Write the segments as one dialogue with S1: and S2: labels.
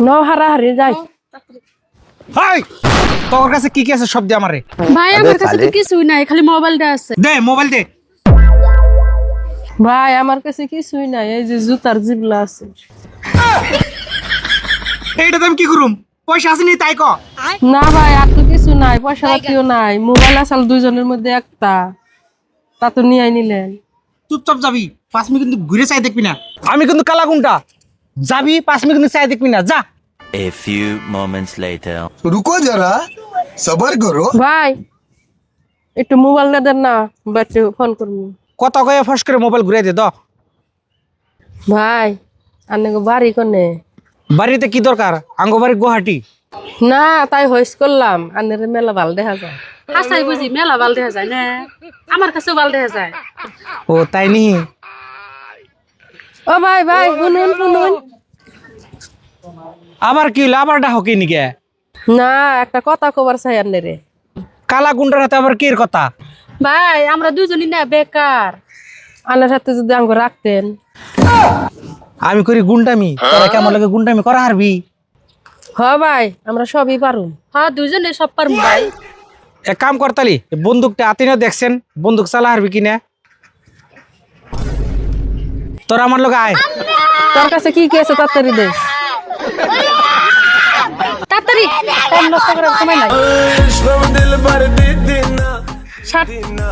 S1: নাও হারাহারি যাই।
S2: হাই তোর কাছে কি কি আছে সব দে আমারে।
S3: ভাই আমার কাছে তো কিছুই নাই, খালি মোবাইলটা আছে।
S2: দে মোবাইল দে।
S1: ভাই আমার কাছে কিছুই নাই, এই যে জুতার জিবলা আছে।
S2: এইটা আমি কি করুম? পয়সা আছে নি তাই ক।
S1: না ভাই আর তো কিছু নাই, পয়সা পাতিও নাই, মোবাইল আসাল দুইজনের মধ্যে একটা, তা তো নিয়ে নিলেন।
S2: চুপচাপ যাবি, 5 মিনিট কিন্তু ঘুরে চাই দেখবি না। আমি কিন্তু কালা গুন্ডা, যাবি 5 মিনিট কিন্তু চাই দেখবি না, যা।
S4: A few moments later.
S5: रुको जरा सबर करो।
S1: ভাই একটু মোবাইলটা দেন না, বাচ্চা ফোন করবো।
S2: কত কয়ে ফস করে মোবাইল ঘুরে দে দ।
S1: ভাই আপনাকে বাড়ি কোনে?
S2: বাড়িতে কি দরকার? আঙ্গ বাড়ি গুয়াহাটি।
S1: না তাই হইস করলাম, আনের মেলা ভাল দেখা যায়।
S3: হাসাই বুঝি মেলা ভাল দেখা যায় না, আমার কাছেও ভাল দেখা যায়।
S2: ও তাই নি?
S1: ও ভাই ভাই শুনুন শুনুন।
S2: আবার কি হইলো? আবার ডাক কি নিকে?
S1: না একটা কথা কবার চাই আন্নারে।
S2: কালা গুন্ডার হাতে আবার কি কথা?
S3: ভাই আমরা দুজনই না বেকার,
S1: আনার সাথে যদি আঙ্গ রাখতেন।
S2: আমি করি গুন্ডামি, তোরা কেমন লাগে গুন্ডামি করা হারবি?
S1: হ ভাই আমরা সবই পারুম।
S3: হ্যাঁ দুজনে সব পারবো ভাই।
S2: এক কাম করতালি, বন্দুকটা হাতে নিয়ে দেখছেন বন্দুক চালা হারবি কিনা? তোরা আমার লোক আয়।
S1: তোর কাছে কি কি আছে তাড়াতাড়ি দে।
S3: তাড়াতাড়ি, টাইম নষ্ট করার সময় নাই। ষাট।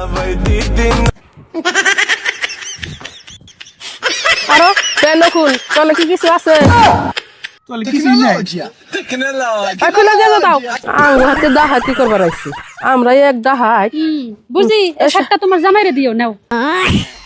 S1: আরো পেন খুল, তাহলে কি কিছু আছে? খুলে দিয়ে দাও। আঙ্গ হাতে ডাহাতি করবার আইছি আমরা, এক ডাহাই।
S3: বুঝি এই শার্টটা তোমার জামাইরে দিও নাও।